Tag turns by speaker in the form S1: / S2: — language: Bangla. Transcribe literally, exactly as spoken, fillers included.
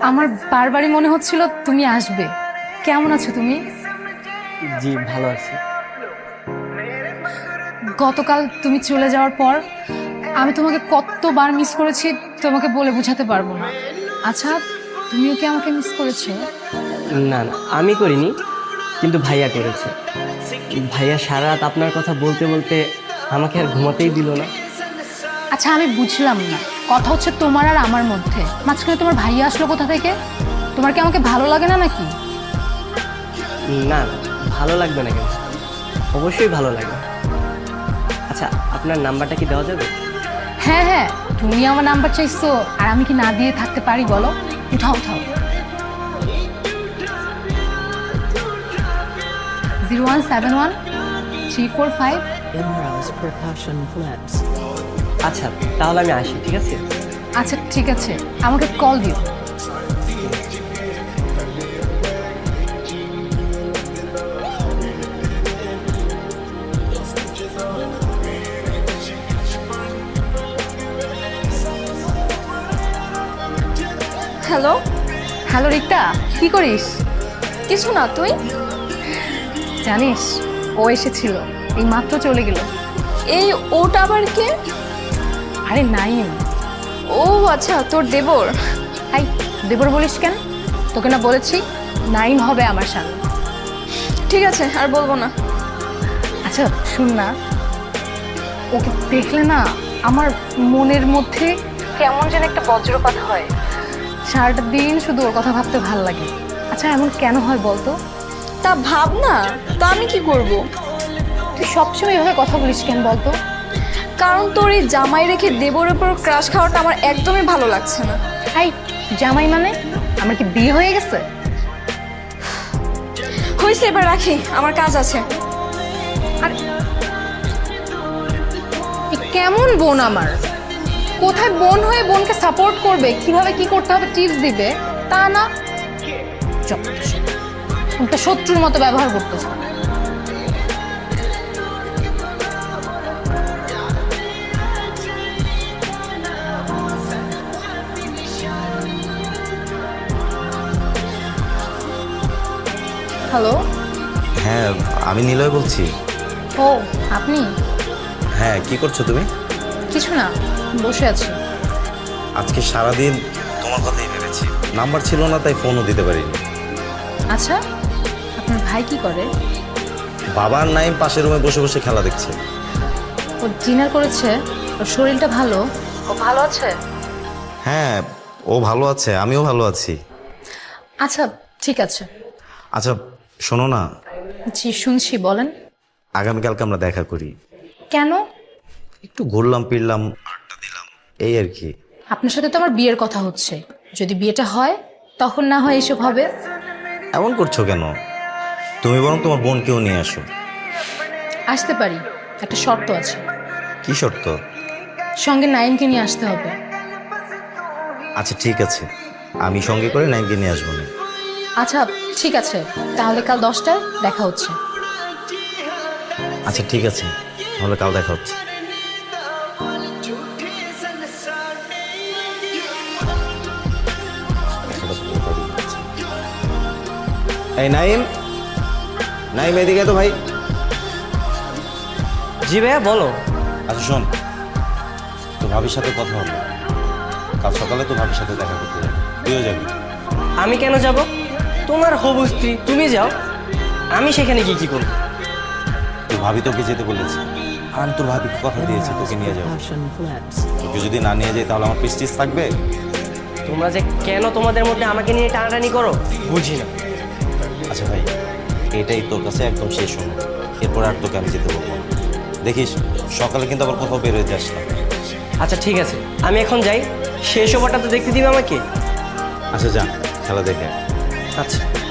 S1: আমার বারবারই মনে হচ্ছিল তুমি আসবে। কেমন আছো তুমি?
S2: জি ভালো আছি।
S1: গতকাল তুমি চলে যাওয়ার পর আমি তোমাকে কতবার মিস করেছি তোমাকে বলে বোঝাতে পারবো না। আচ্ছা, তুমিও কি আমাকে মিস করেছো?
S2: না না, আমি করিনি, কিন্তু ভাইয়া করেছে। ভাইয়া সারা রাত আপনার কথা বলতে বলতে আমাকে আর ঘুমাতেই দিল না।
S1: আচ্ছা, আমি বুঝলাম না, কথা হচ্ছে তোমার আর আমার মধ্যে, মাঝখানে তোমার ভাইয়া আসলো কোথা থেকে? তোমার কি আমাকে ভালো লাগে না নাকি?
S2: না না, ভালো লাগবে না কেন? অবশ্যই ভালো লাগবে। আচ্ছা, আপনার নাম্বারটা কি দেওয়া যাবে?
S1: হ্যাঁ হ্যাঁ, তুমি আমার নাম্বার চাইছো আর আমি কি না দিয়ে থাকতে পারি বলো? উঠাও উঠাও। Zero one seven one three four five.
S3: Imra's Percussion Flats.
S2: আচ্ছা, তাহলে আমি আসি, ঠিক আছে?
S1: আচ্ছা ঠিক আছে, আমাকে কল দিও।
S4: হ্যালো।
S1: হ্যালো রিক্তা, কি করিস?
S4: কিছু না, তুই?
S1: জানিস, ও এসেছিল, এই মাত্র চলে গেল।
S4: এই ওটা আবার কে?
S1: আরে নাইম।
S4: ও আচ্ছা, তোর দেবর।
S1: আই, দেবর বলিস কেন? তোকে না বলেছি নাইম হবে আমার স্বামী।
S4: ঠিক আছে, আর বলবো না।
S1: আচ্ছা শুন না, ওকে দেখলে না আমার মনের মধ্যে কেমন যেন একটা বজ্রপাত হয়। সারাটা দিন শুধু ওর কথা ভাবতে ভাল লাগে। আচ্ছা এমন কেন হয় বলতো?
S4: তা ভাব না, তা আমি কি করব?
S1: তুই সবসময় এভাবে কথা বলিস কেন বলতো?
S4: কারণ তোর এই জামাই রেখে দেবরের উপর ক্রাশ খাওয়াটা আমার একদমই ভালো লাগছে না।
S1: হাই, জামাই মানে আমার কি বিয়ে হয়ে গেছে?
S4: হয়েছে, এবার রাখি, আমার কাজ আছে।
S1: আর এ কেমন বোন আমার? কোথায় বোন হয়ে বোনকে সাপোর্ট করবে, কিভাবে কি করতে হবে টিপস দিবে, তা না একটা শত্রুর মতো ব্যবহার করতেছে। হ্যালো।
S5: হ্যাঁ, আমি নিলয় বলছি।
S1: ও আপনি?
S5: হ্যাঁ, কি করছো তুমি?
S1: কিছু না, বসে আছি।
S5: আজকে সারাদিন তোমার কথাই ভেবেছি, নাম্বার ছিল না তাই ফোনও দিতে পারিনি।
S1: আচ্ছা, আপনার ভাই কি করে?
S5: বাবার নাইম পাশের রুমে বসে বসে খেলা দেখছে।
S1: ও ডিনার করেছে? ওর শরীরটা ভালো? ও ভালো আছে?
S5: হ্যাঁ, ও ভালো আছে, আমিও ভালো আছি।
S1: আচ্ছা ঠিক আছে।
S5: আচ্ছা শোনো না,
S1: জি শুনছি, বলেন।
S5: আগামীকালকে আমরা দেখা করি।
S1: কেন?
S5: একটু ঘুরলাম ফিরলাম, আড্ডা দিলাম, এই আর কি।
S1: আপনার সাথে তো আমার বিয়ের কথা হচ্ছে, যদি বিয়েটা হয় তখন না হয় এসব হবে।
S5: এমন করছো কেন? তুমি বরং তোমার বোনকেও নিয়ে আসো।
S1: আসতে পারি, একটা শর্ত আছে।
S5: কি শর্ত?
S1: সঙ্গে নাইমকে নিয়ে আসতে হবে।
S5: আচ্ছা ঠিক আছে, আমি সঙ্গে করে নাইমকে নিয়ে আসবো না।
S1: আচ্ছা ঠিক আছে, তাহলে কাল দশটায় দেখা হচ্ছে।
S5: আচ্ছা ঠিক আছে, তাহলে কাল দেখা হচ্ছে। এই নাইম, নাইম এদিকে তো ভাই।
S2: জি ভাইয়া, বলো।
S5: আচ্ছা শোন, তো ভাবির সাথে কথা হবে, কাল সকালে তো ভাবির সাথে দেখা করতে যাবি, তুইও যাবি।
S2: আমি কেন যাব? তোমার হবু স্ত্রী, তুমি যাও, আমি সেখানে গিয়ে কি করবো?
S5: তুই ভাবি তোকে যেতে বলেছে, আর আমি তোর ভাবিকে কথা দিয়েছি তোকে নিয়ে যাবো।
S3: Percussion Flats.
S5: তোকে যদি না নিয়ে যাই তাহলে আমার প্রেস্টিজ থাকবে।
S2: তোমরা যে কেন তোমাদের মধ্যে আমাকে নিয়ে টানাটানি করো বুঝি না।
S5: আচ্ছা ভাই, এটাই তোর কাছে একদম শেষ সময়, এরপর আর তোকে আমি যেতে বলবো না। দেখিস সকালে কিন্তু আবার কোথাও বের হয়ে যাস না।
S2: আচ্ছা ঠিক আছে, আমি এখন যাই, শেষ ওভারটা তো দেখতে দিবে আমাকে।
S5: আচ্ছা যা, খেলা দেখে আয়।
S2: আচ্ছা।